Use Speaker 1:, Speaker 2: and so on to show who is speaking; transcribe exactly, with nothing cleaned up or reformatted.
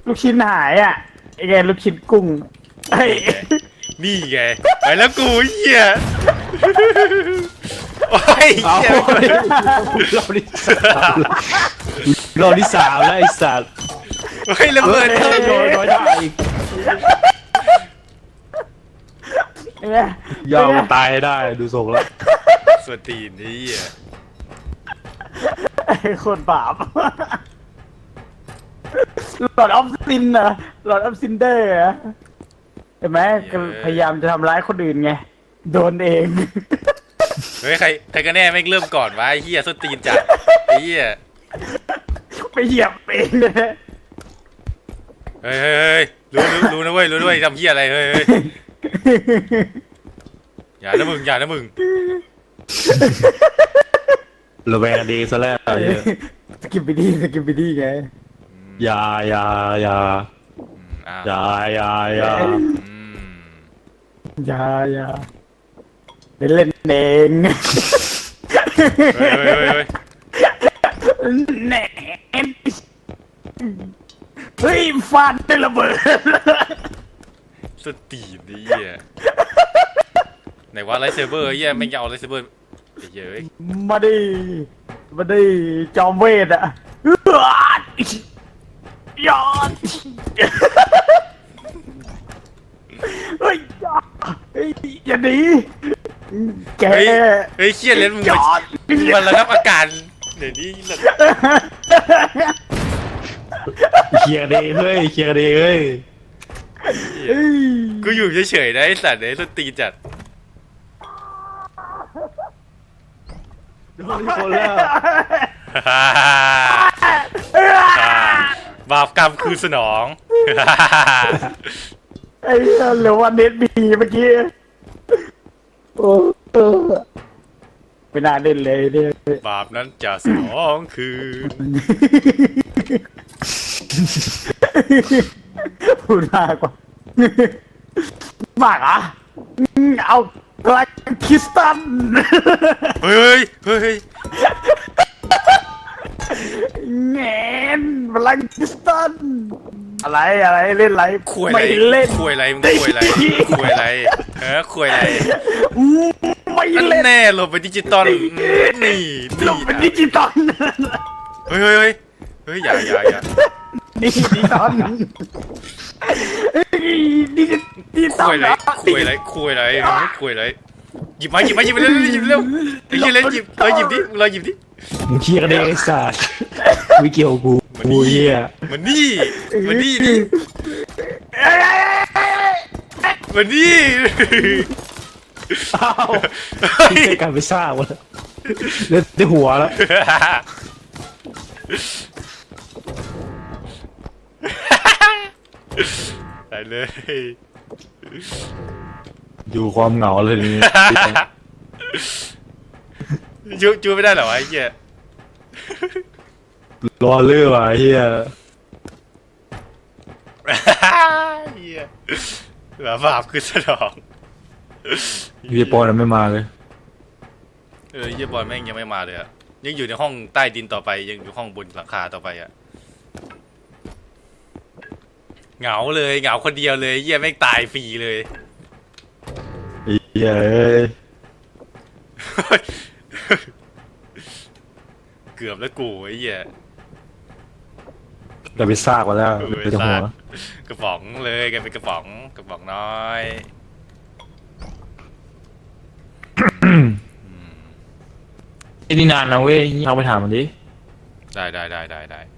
Speaker 1: ลูกชิ้นหายอ่ะไอ้ไงลูกชิ้นกุ้งไอ้
Speaker 2: นี่ไงไปแล้วกูเหี้ยโอ้ย
Speaker 3: เอา
Speaker 2: เหี้ย
Speaker 3: เราที่สามเราที่สามแล้วไอ้สัตว์
Speaker 2: เฮ้ยระเบิด
Speaker 3: เฮ้ยโดนโดนได้อีก
Speaker 1: ไอ้ไง
Speaker 3: ยอมตายได้ดูทรงแล้ว
Speaker 2: สวตีนนี่เหี้ย
Speaker 1: ไอ้คนบาปหลอดออฟซินนะหลอดออฟซินเดอร์อะเห็นไหมก็พยายามจะทำร้ายคนอื่นไงโดนเอง
Speaker 2: เฮ้ยใครใครก็แน่ไม่งเริ่มก่อนวะไอ้เหี้ยสวตีนจัดไอ้เหี้ย
Speaker 1: ไปเหยียบเองเลย
Speaker 2: เฮ้ยเฮ้ยเฮ้ยรู้รู้รู้นะเว้ยรู้ด้วยทำเหี้ยอะไรเฮ้ยเฮ้ยอย่านะมึงอย่านะมึง
Speaker 3: ระแวงดีซะแล้วไอ้เหี้ย
Speaker 1: สกิปไปดีสกิปไปดีไง
Speaker 3: อย่าอย่าอย่า
Speaker 2: อ้าว
Speaker 3: อย่าอย่าอย่า
Speaker 2: อืม
Speaker 1: อย่าอย่าเล่นเล่นเอง
Speaker 2: เฮ้ยเฮ้ยเฮ้ยเฮ้ย
Speaker 1: แหนเฮ้ยฟาดได้ระเบิด
Speaker 2: สตีนนี่เหี้ยไหนว่าไลท์เซเบอร์เหี้ยไม่งจะเอาไลท์เซเบอร์ไอ้เหี้ยเอ้ย
Speaker 1: มาดิมาดิจอมเวทอะยอดเฮ้ยเฮ้ยอย่าหนีแก
Speaker 2: เฮ้ยเฮ้ยเชี่ยเล่นมึง
Speaker 1: ย
Speaker 2: มา
Speaker 1: อด
Speaker 2: มันระงับอาการเดี๋ยวนี้ระ
Speaker 3: เคลียร์ดีเฮ้ยเคลียร์ดีเฮ้ย
Speaker 1: เฮ้ย
Speaker 2: กูอยู่เฉยๆนะไอ้สัตว์ไอ้สตีนจัด
Speaker 3: โดนคนแล้ว
Speaker 2: บาปกรรมคือสนอง
Speaker 1: ไอ้เหี้ยเหลือวันเน็ตบีเมื่อกี้โอ้เออไม่น่าเล่นเลยเนี่ย
Speaker 2: บาปนั้นจะสนองคือ
Speaker 1: พูดมากกว่ามากอ่ะเอากลายคริสตัน
Speaker 2: เฮ้ยเฮ้ยเฮ้ย
Speaker 1: แงนพลังคริสตันอะไรอะไรเล่นอะไร
Speaker 2: คุยอะไร
Speaker 1: ไม่เล่น
Speaker 2: คุยอะไรมึงคุยอะไรคุยอะไรเออคุยอะไร
Speaker 1: ไม่
Speaker 2: อัน
Speaker 1: เล่น
Speaker 2: แน่ลงไปดิจิตอลนี่
Speaker 1: ล
Speaker 2: นี่
Speaker 1: งเป็นดิจิตอล
Speaker 2: เฮ้ยเฮ้ยเฮ้ยเฮ้ยอย่าอย่าอย่า
Speaker 1: ดิจิตอลดิจิตอ
Speaker 2: คุ
Speaker 1: ล
Speaker 2: ยอะไรคุยอะไรคุยอะไรคุยอะไรหยิบมาหยิบมาหยิบมาเร็วหยิบเร็วไอ้เหี้ยเล่นหยิบเลยหยิบดิเลยหยิบดิ
Speaker 3: มึงเคลียร์ดีไอ้สัตว์ไม่เกี่ยวกับกู
Speaker 2: มัน
Speaker 3: กู
Speaker 2: นี่
Speaker 3: เหี้ย
Speaker 2: มันนี่มันนี่ดิมันนี่
Speaker 3: อ้าวที่ใช้การไปซ่าวะเล่นได้หัวแล้ว
Speaker 2: ไปเลย
Speaker 3: อยู่ความเหงาเลยนี่
Speaker 2: จูจูไม่ได้เหรอวะไอ้เหี้ย
Speaker 3: รอเลื่อว่ะเฮีย
Speaker 2: เหี้ยแบบบาปคือสนอง
Speaker 3: พี่ปอนไม่มาเลย
Speaker 2: เออเหี้ยบอลแม่งยังไม่มาเลยอะยังอยู่ในห้องใต้ดินต่อไปยังอยู่ห้องบนหลังคาต่อไปอะเหงาเลยเหงาคนเดียวเลยเหี้ยแม่งตายฟรีเลย
Speaker 3: เฮียเอ้ย
Speaker 2: เกือบแล้วกูไอ้เหี้ย
Speaker 3: เราไปซากมาแล้ว
Speaker 2: เออ
Speaker 3: ไปจะหัว
Speaker 2: ซาก กระป๋องเลยกันเป็นกระป๋องกระป๋องน้อย
Speaker 3: ไอ้นี่นานนะเว้ยเอาไปถามมันดิ
Speaker 2: ได้ได้ได้ได้ได้